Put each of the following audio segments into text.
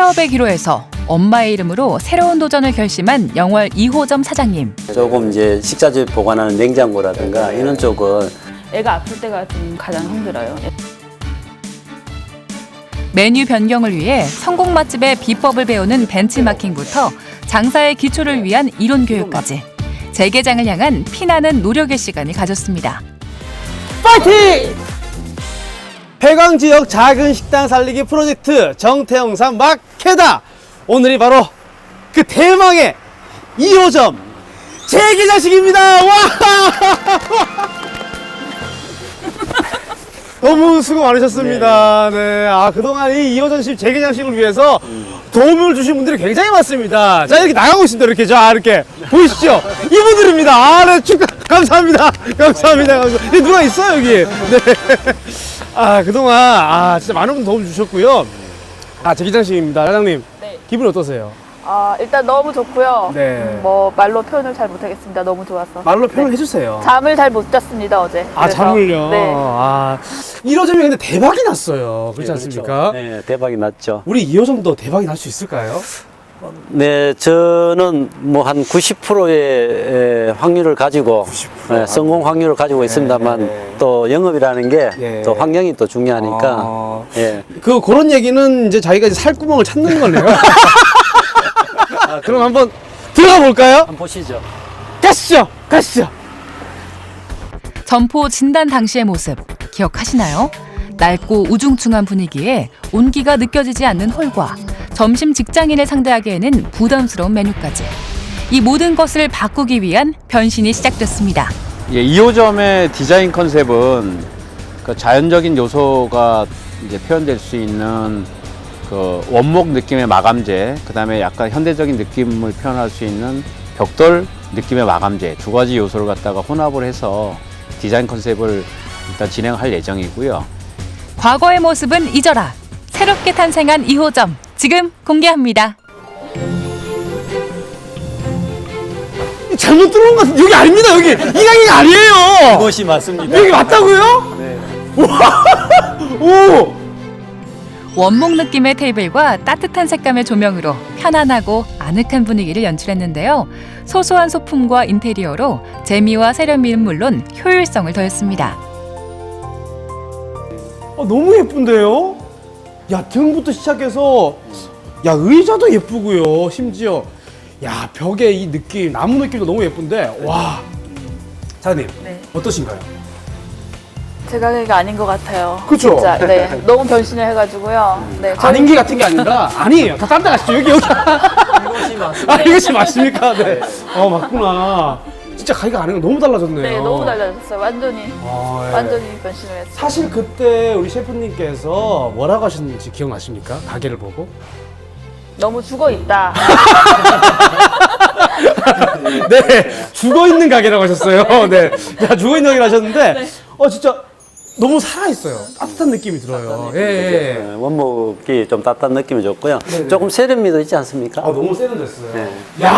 폐업의 기로에서 엄마의 이름으로 새로운 도전을 결심한 영월 2호점 사장님. 조금 이제 식자재 보관하는 냉장고라든가 이런 쪽은 애가 아플 때가 좀 가장 힘들어요. 메뉴 변경을 위해 성공 맛집의 비법을 배우는 벤치마킹부터 장사의 기초를 위한 이론 교육까지 재개장을 향한 피나는 노력의 시간을 가졌습니다. 파이팅! 폐광 지역 작은 식당 살리기 프로젝트 정태영산 마케다. 오늘이 바로 그 대망의 2호점 재개장식입니다. 와! 너무 수고 많으셨습니다. 네. 아, 그동안 이 2호점식 재개장식을 위해서 도움을 주신 분들이 굉장히 많습니다. 자, 이렇게 나가고 있습니다. 이렇게. 자, 이렇게. 보이시죠? 이분들입니다. 아, 네. 축하. 감사합니다. 감사합니다. 감사합니다. 누가 있어요, 여기? 네. 아, 그동안, 진짜 많은 분 도움 주셨고요. 재개장식입니다. 사장님. 네. 기분이 어떠세요? 일단 너무 좋고요. 네. 뭐 말로 표현을 잘 못하겠습니다. 너무 좋아서. 말로 표현해 네. 주세요. 잠을 잘 못 잤습니다 어제. 그래서. 잠을요? 네. 1호점이 근데 대박이 났어요. 그렇지 않습니까? 네, 대박이 났죠. 우리 2호점도 대박이 날 수 있을까요? 네, 저는 뭐 한 90%의 확률을 가지고 90%? 네, 성공 확률을 가지고 있습니다만 네. 또 영업이라는 게 또 네. 환경이 또 중요하니까 예. 그런 얘기는 이제 자기가 이제 살구멍을 찾는 거네요. 그럼 한번 들어가 볼까요? 한번 보시죠. 가시죠. 점포 진단 당시의 모습 기억하시나요? 낡고 우중충한 분위기에 온기가 느껴지지 않는 홀과 점심 직장인을 상대하기에는 부담스러운 메뉴까지 이 모든 것을 바꾸기 위한 변신이 시작됐습니다. 예, 2호점의 디자인 컨셉은 그 자연적인 요소가 이제 표현될 수 있는 그 원목 느낌의 마감재, 그 다음에 약간 현대적인 느낌을 표현할 수 있는 벽돌 느낌의 마감재 두 가지 요소를 갖다가 혼합을 해서 디자인 컨셉을 일단 진행할 예정이고요. 과거의 모습은 잊어라. 새롭게 탄생한 2호점 지금 공개합니다. 잘못 들어온 것 같은데 여기 아닙니다. 여기 이 가게가 아니에요. 그것이 맞습니다. 여기 맞다고요? 네. 오! 원목 느낌의 테이블과 따뜻한 색감의 조명으로 편안하고 아늑한 분위기를 연출했는데요. 소소한 소품과 인테리어로 재미와 세련미는 물론 효율성을 더했습니다. 너무 예쁜데요? 야, 등부터 시작해서 의자도 예쁘고요. 심지어 벽에 이 느낌, 나무 느낌도 너무 예쁜데 와. 사장님, 네. 어떠신가요? 제 가게가 아닌 것 같아요. 그쵸? 진짜. 네. 너무 변신을 해가지고요. 네. 아닌 게 같은 게 아니라 아니에요. 다 딴 데 가시죠. 여기. 이것이 맞습니다. 이것이 맞습니까? 네. 맞구나. 진짜 가게가 아닌 거 너무 달라졌네요. 네, 너무 달라졌어요. 완전히 예. 완전히 변신을 했어요. 사실 그때 우리 셰프님께서 뭐라고 하셨는지 기억나십니까? 가게를 보고? 너무 죽어 있다. 네, 죽어있는 가게라고 하셨어요. 네. 죽어있는 가게를 하셨는데, 진짜 너무 살아있어요. 따뜻한 느낌이 들어요. 예. 네, 원목이 좀 따뜻한 느낌이 좋고요. 네네. 조금 세련미도 있지 않습니까? 너무 세련됐어요. 네.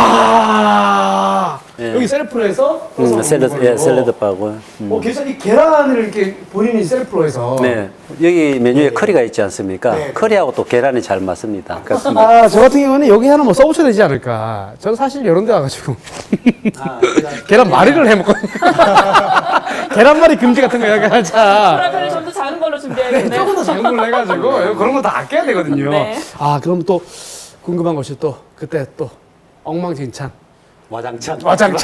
야 네. 여기 셀프로 해서 샐러드 바고요. 이 계란을 이렇게 본인이 셀프로 해서. 네, 여기 메뉴에 커리가 있지 않습니까? 네. 커리하고 또 계란이 잘 맞습니다. 그렇습니다. 저 같은 경우는 여기 하나 써보셔야 되지 않을까. 저는 사실 이런 데 와가지고. 계란 말이를 해먹거든요. 계란말이 금지 같은 거 하자. 프라이팬을 좀 더 작은 걸로 준비해야겠네요. 조금 더 작은 걸로 해가지고 그런 거 다 아껴야 되거든요. 네. 그럼 또 궁금한 것이 또 그때 또 엉망진창. 와장창.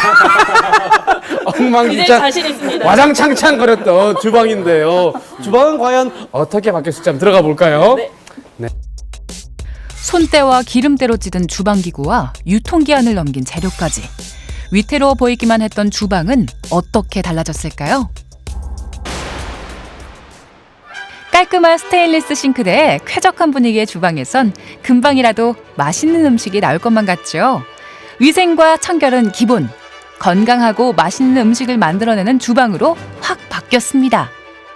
이제 엉망진창. 자신 있습니다. 와장창창 거렸던 주방인데요. 주방은 과연 어떻게 바뀌었을지 한번 들어가 볼까요? 네. 손때와 기름때로 찌든 주방기구와 유통기한을 넘긴 재료까지 위태로워 보이기만 했던 주방은 어떻게 달라졌을까요? 깔끔한 스테인리스 싱크대에 쾌적한 분위기의 주방에선 금방이라도 맛있는 음식이 나올 것만 같죠. 위생과 청결은 기본, 건강하고 맛있는 음식을 만들어내는 주방으로 확 바뀌었습니다.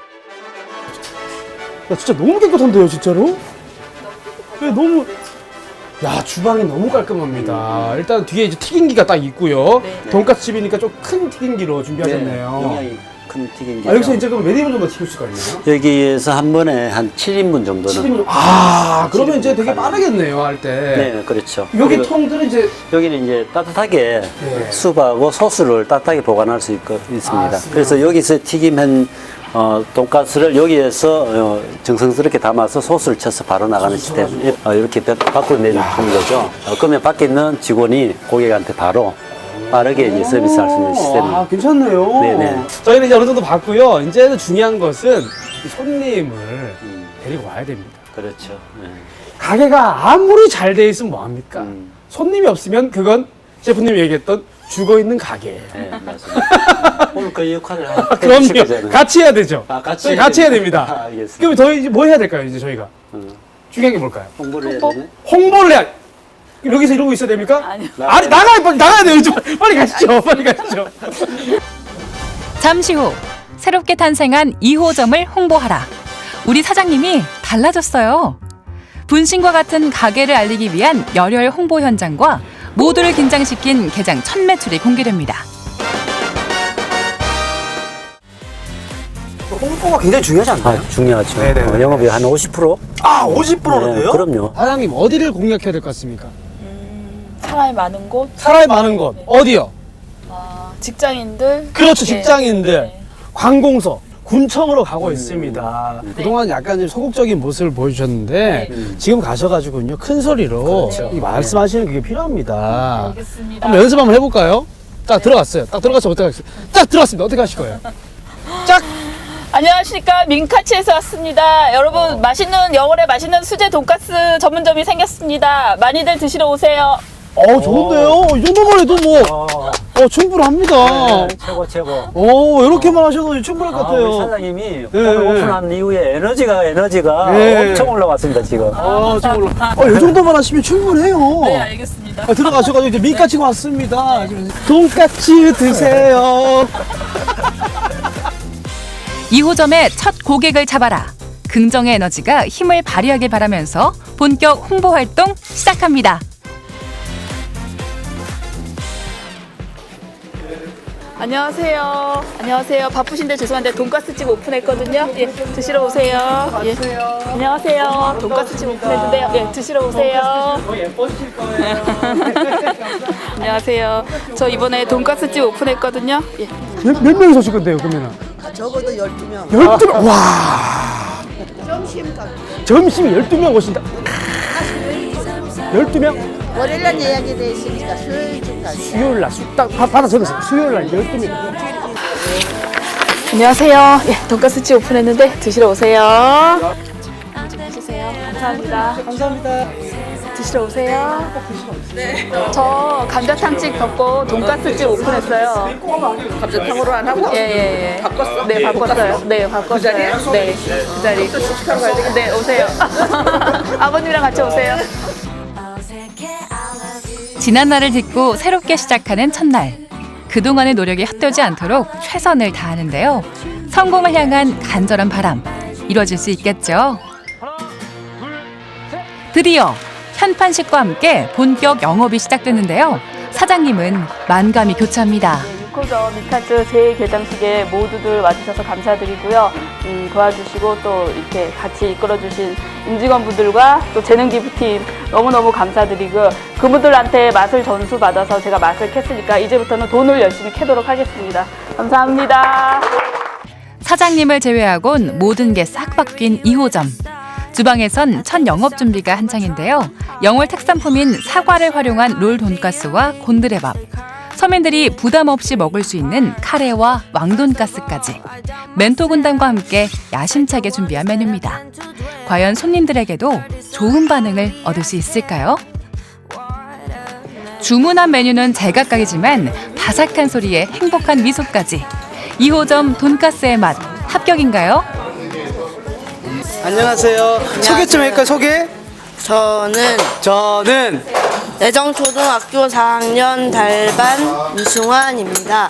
진짜 너무 깨끗한데요, 진짜로? 네, 너무. 주방이 너무 깔끔합니다. 일단 뒤에 이제 튀김기가 딱 있고요. 네. 돈까스 집이니까 좀 큰 튀김기로 준비하셨네요. 영양이 큰 튀김기죠. 아, 여기서 이제 그럼 몇 인분 정도 튀길 수가 있나요? 여기에서 한 번에 한 7인분 정도는. 7인분. 아, 그러면 이제 되게 빠르겠네요, 할 때. 네, 그렇죠. 여기 그리고 통들은 이제 여기는 이제 따뜻하게 네. 수박하고 소스를 따뜻하게 보관할 수 있습니다. 그래서 여기서 튀김한 돈가스를 여기에서 정성스럽게 담아서 소스를 쳐서 바로 나가는 시스템. 이렇게 밖으로 내주는 거죠. 그러면 밖에 있는 직원이 고객한테 바로 빠르게 이제 서비스할 수 있는 시스템입니다. 아, 괜찮네요. 네네. 저희는 이제 어느 정도 봤고요. 이제는 중요한 것은 이 손님을 데리고 와야 됩니다. 그렇죠. 네. 가게가 아무리 잘 돼 있으면 뭐합니까? 손님이 없으면 그건 셰프님이 얘기했던 죽어있는 가게예요. 네, 맞습니다. 오늘 그 역할을 해주실 그럼요. 거잖아요. 같이 해야 되죠. 아, 같이 저희 해야 같이 해야 됩니다. 됩니다. 아, 알겠습니다. 그럼 저희 이제 뭐 해야 될까요, 이제 저희가? 중요한 게 뭘까요? 홍보를 해야 되네. 홍보를 해야. 여기서 이러고 있어야 됩니까? 아니요. 아니, 빨리 나가야 돼요. 빨리 가시죠. 빨리 가시죠. 잠시 후 새롭게 탄생한 2호점을 홍보하라. 우리 사장님이 달라졌어요. 분신과 같은 가게를 알리기 위한 열혈 홍보 현장과 모두를 긴장시킨 개장 첫 매출이 공개됩니다. 홍보가 굉장히 중요하지 않나요? 아, 중요하죠. 네네네. 영업이 한 50%? 아, 50%는데요? 네, 그럼요. 사장님, 어디를 공략해야 될 것 같습니까? 사람이 많은 곳, 사람이 많은 곳. 어디요? 직장인들. 그렇죠, 네. 직장인들. 네. 관공서. 군청으로 가고 있습니다. 그동안 약간 좀 소극적인 모습을 보여주셨는데 지금 가셔가지고요 큰 소리로 이 말씀하시는 그게 필요합니다. 알겠습니다. 한번 연습 한번 해볼까요? 딱 들어갔어요. 딱 들어가서 어떻게 하겠어요? 딱 들어갔습니다. 어떻게 하실 거예요? 짝! 안녕하십니까, 민카치에서 왔습니다. 여러분, 맛있는 영월에 맛있는 수제 돈가스 전문점이 생겼습니다. 많이들 드시러 오세요. 좋은데요? 이 정도만 해도 뭐 충분합니다. 최고. 이렇게만 하셔도 충분할 것 우리 같아요. 사장님이 네. 오늘 오픈한 이후에 에너지가 네. 엄청 올라왔습니다, 지금. 이 정도만 하시면 충분해요. 네, 알겠습니다. 들어가셔가지고 이제 민까지 왔습니다. 돈까스 드세요. 2호점의 첫 고객을 잡아라. 긍정의 에너지가 힘을 발휘하길 바라면서 본격 홍보 활동 시작합니다. 안녕하세요. 안녕하세요. 바쁘신데 죄송한데 돈가스집 오픈했거든요. 예, 드시러 오세요. 예. 안녕하세요. 돈가스집 오픈했는데요. 예, 드시러 오세요. 예뻐지실 거예요. 안녕하세요. 저 이번에 돈가스집 오픈했거든요. 예. 몇 명이서 오실 건데요, 그러면은? 적어도 12명. 12명? 와! 점심 12명 오신다. 12명? 월요일날 예약이 돼 있으니까 수요일쯤 가요. 수요일 날, 딱 받아 적었어요. 수요일 날 12명. 안녕하세요. 예, 돈가스집 오픈했는데 드시러 오세요. 좀 해주세요. 감사합니다. 감사합니다. 드시러 오세요. 네. 저 감자탕집 덮고 돈가스집 오픈했어요. 감자탕으로 안 하고? 예. 바꿨어? 네, 바꿨어요. 네, 바꿨어요. 네, 그 자리. 또 시식하러 가야 되겠네. 네, 오세요. 아버님이랑 같이 오세요. 지난 날을 딛고 새롭게 시작하는 첫날. 그동안의 노력이 헛되지 않도록 최선을 다하는데요. 성공을 향한 간절한 바람. 이루어질 수 있겠죠? 드디어 현판식과 함께 본격 영업이 시작됐는데요. 사장님은 만감이 교차합니다. 6호점 미카츠 제2개장식에 모두들 와주셔서 감사드리고요. 도와주시고 또 이렇게 같이 이끌어주신 임직원분들과 또 재능기부팀 너무너무 감사드리고 그분들한테 맛을 전수받아서 제가 맛을 캤으니까 이제부터는 돈을 열심히 캐도록 하겠습니다. 감사합니다. 사장님을 제외하곤 모든 게 싹 바뀐 2호점. 주방에선 첫 영업 준비가 한창인데요. 영월 특산품인 사과를 활용한 롤 돈가스와 곤드레밥. 서민들이 부담 없이 먹을 수 있는 카레와 왕돈가스까지 멘토 군단과 함께 야심차게 준비한 메뉴입니다. 과연 손님들에게도 좋은 반응을 얻을 수 있을까요? 주문한 메뉴는 제각각이지만 바삭한 소리에 행복한 미소까지 2호점 돈가스의 맛 합격인가요? 안녕하세요. 소개 좀 할까요, 소개? 저는 내정초등학교 4학년 달반 문승환입니다.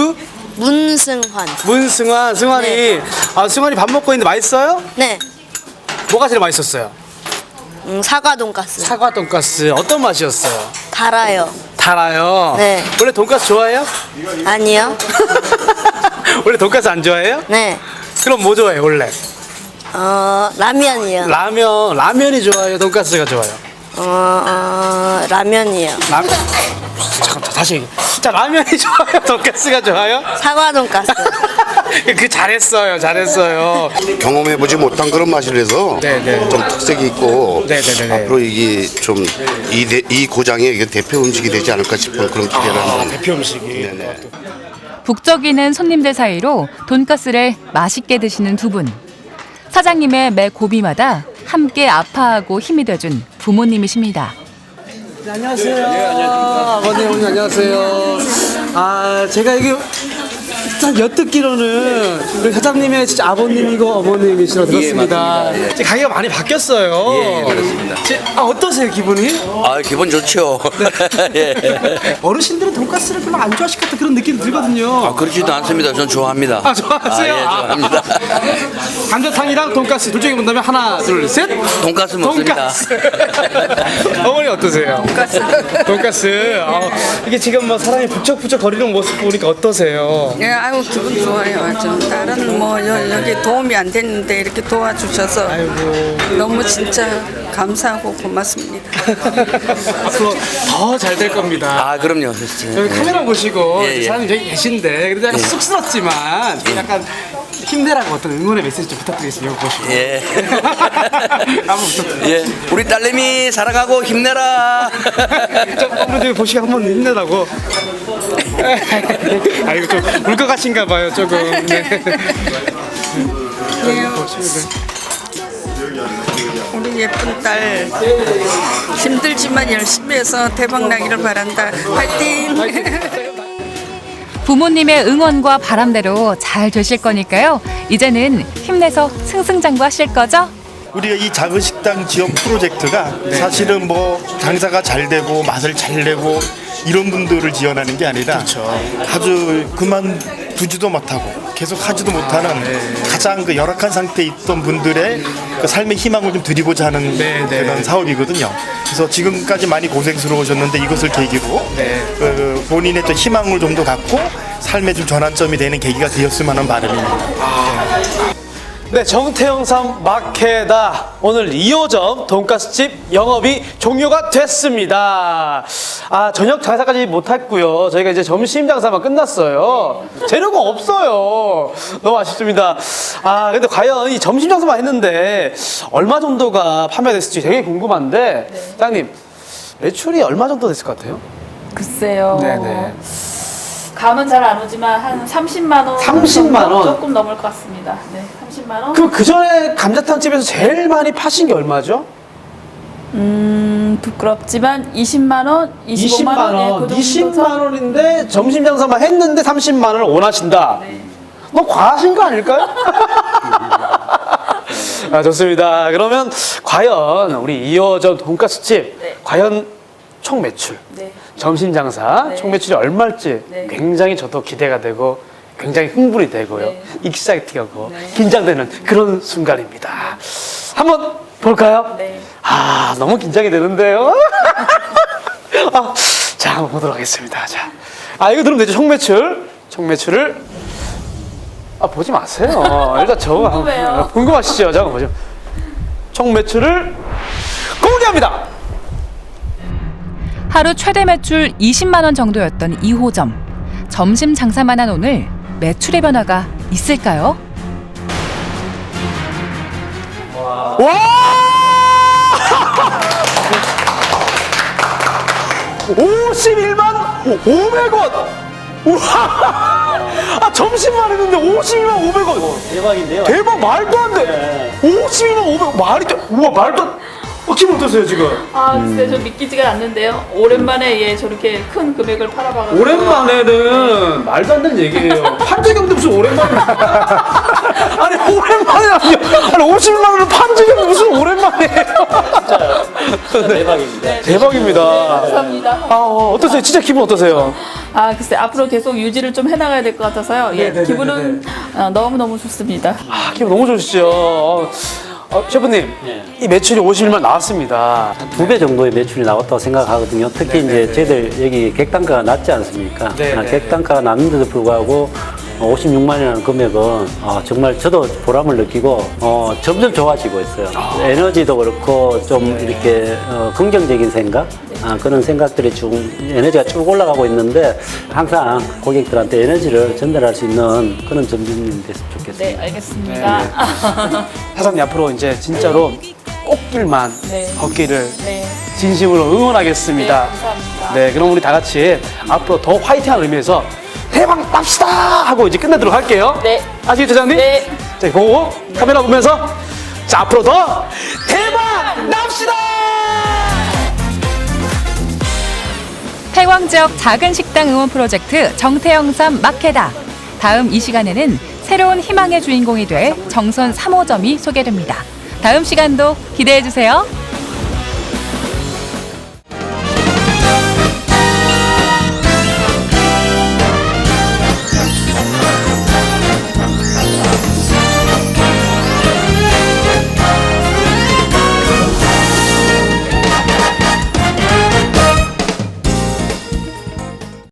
문승환. 승환이. 네. 승환이 밥 먹고 있는데 맛있어요? 네, 뭐가 제일 맛있었어요? 사과 돈가스. 사과 돈가스. 어떤 맛이었어요? 달아요. 달아요. 네. 원래 돈가스 좋아해요? 아니요. 원래 돈가스 안 좋아해요? 네. 그럼 뭐 좋아해요 원래? 라면이요. 라면이 좋아요? 돈가스가 좋아요? 라면이요. 잠깐 다시 얘기. 자 라면이 좋아요? 돈가스가 좋아요? 사과 돈가스. 그 잘했어요. 경험해보지 못한 그런 맛을 해서 네네. 좀 특색이 있고 네네네네. 앞으로 이게 좀 이 고장의 이게 대표 음식이 되지 않을까 싶은 그런 기대를 한번. 대표 음식이. 네네. 북적이는 손님들 사이로 돈가스를 맛있게 드시는 두 분. 사장님의 매 고비마다 함께 아파하고 힘이 돼준 부모님이십니다. 안녕하세요. 아버님, 어머니 안녕하세요. 제가 이게 일단 엿듣기로는 우리 사장님의 진짜 아버님이고 어머님이시라고 들었습니다. 이제 가게가 많이 바뀌었어요. 예, 그렇습니다. 어떠세요, 기분이? 기분 좋죠. 예. 어르신들은 돈가스를 별로 안 좋아하실 것 같은 그런 느낌이 들거든요. 그렇지도 않습니다. 전 좋아합니다. 좋아하세요? 예, 좋아합니다. 감자탕이랑 돈가스 둘 중에 본다면 하나, 둘, 셋. 돈가스 먹습니다. 돈가스. 어머니 어떠세요? 돈가스. 이게 지금 뭐 사람이 부쩍부쩍 거리는 모습 보니까 어떠세요? 예, 아유 기분 좋아요. 아주 다른 뭐 여기 도움이 안 됐는데 이렇게 도와주셔서 너무 진짜 감사하고 고맙습니다. 앞으로 더 잘 될 겁니다. 그럼요. 여기 카메라 보시고 예, 예. 사람이 저기 계신데 그래도 약간 쑥스럽지만 약간 힘내라고 어떤 응원의 메시지 좀 부탁드리겠습니다. 이거 보시고. 예. 한번 부탁드립니다. 예. 우리 딸내미 사랑하고 힘내라. 한번 보시고 한번 힘내라고. 이거 좀 울컥하신가 봐요, 조금. 네. 우리 예쁜 딸 힘들지만 열심히 해서 대박 나기를 바란다. 화이팅! 부모님의 응원과 바람대로 잘 되실 거니까요. 이제는 힘내서 승승장구하실 거죠? 우리가 이 작은 식당 지역 프로젝트가 사실은 뭐 장사가 잘 되고 맛을 잘 내고 이런 분들을 지원하는 게 아니라 아주 그만두지도 못하고 계속 하지도 못하는 가장 그 열악한 상태에 있던 분들의 그 삶의 희망을 좀 드리고자 하는 그런 사업이거든요. 그래서 지금까지 많이 고생스러우셨는데 이것을 계기로 그 본인의 또 희망을 좀 더 갖고 삶의 좀 전환점이 되는 계기가 되었으면 하는 바람입니다. 네, 정태영삼 마케다. 오늘 2호점 돈가스집 영업이 종료가 됐습니다. 저녁 장사까지 못했고요. 저희가 이제 점심 장사만 끝났어요. 재료가 없어요. 너무 아쉽습니다. 근데 과연 이 점심 장사만 했는데 얼마 정도가 판매됐을지 되게 궁금한데, 사장님, 매출이 얼마 정도 됐을 것 같아요? 글쎄요. 네네. 감은 잘 안 오지만 한 30만 원. 30만 원? 조금 넘을 것 같습니다. 네, 30만 원. 그럼 그 전에 감자탕집에서 제일 많이 파신 게 얼마죠? 부끄럽지만 20만 원, 25만 원, 예, 그 정도 20만 원인데 점심 장사만 했는데 30만 원을 원하신다. 네. 너무 과하신 거 아닐까요? 좋습니다. 그러면 과연 우리 2호점 돈가스집 네. 과연 총 매출, 네. 점심 장사 네. 총 매출이 얼마일지 네. 굉장히 저도 기대가 되고 굉장히 흥분이 되고요. 네. 익사이팅하고 네. 긴장되는 그런 순간입니다. 한번 볼까요? 네. 너무 긴장이 되는데요. 자, 한번 보도록 하겠습니다. 자, 이거 들으면 되죠. 총매출을 보지 마세요. 일단 저거 궁금해요. 궁금하시죠? 잠깐 보죠. 총매출을 공개합니다. 하루 최대 매출 20만 원 정도였던 2호점. 점심 장사만 한 오늘 매출의 변화가 있을까요? 와! 51만 500원! 우와! 점심만 했는데 52만 500원! 대박인데요. 대박, 말도 안 돼! 52만 500원! 말이 돼! 우와, 말도 안 기분 어떠세요, 지금? 글쎄 저 믿기지가 않는데요. 오랜만에 저렇게 큰 금액을 팔아봐가지고. 오랜만에는 말도 안 되는 얘기예요. 판 적이 없는데 무슨 오랜만에. 아니, 오랜만이라뇨. 아니, 50만 원을 판 적이 없는데 무슨 오랜만이에요. 진짜 대박입니다. 대박입니다. 감사합니다. 어떠세요? 진짜 기분 어떠세요? 글쎄 앞으로 계속 유지를 좀 해나가야 될 것 같아서요. 기분은 너무너무 좋습니다. 기분 너무 좋으시죠? 셰프님, 이 매출이 51만 나왔습니다. 2배 정도의 매출이 나왔다고 생각하거든요. 특히 이제 저희들 여기 객단가가 낮지 않습니까? 네, 네. 객단가가 낮는데도 불구하고 56만이라는 금액은 정말 저도 보람을 느끼고 점점 좋아지고 있어요. 에너지도 그렇고 좀 이렇게 긍정적인 생각 그런 생각들이 쭉 에너지가 쭉 올라가고 있는데 항상 고객들한테 에너지를 전달할 수 있는 그런 점주님 됐으면 좋겠습니다. 네, 알겠습니다. 사장님 앞으로 이제 진짜로 꽃길만 네. 걷기를 네. 진심으로 응원하겠습니다. 네, 감사합니다. 네, 그럼 우리 다 같이 앞으로 더 화이팅하는 의미에서 대박 납시다 하고 이제 끝내도록 할게요. 네. 아시겠죠, 사장님? 네. 자, 보고 카메라 보면서 자, 앞으로 더 대박 납시다! 태광 지역 작은 식당 응원 프로젝트 정태영삼 마케다. 다음 이 시간에는 새로운 희망의 주인공이 될 정선 3호점이 소개됩니다. 다음 시간도 기대해 주세요.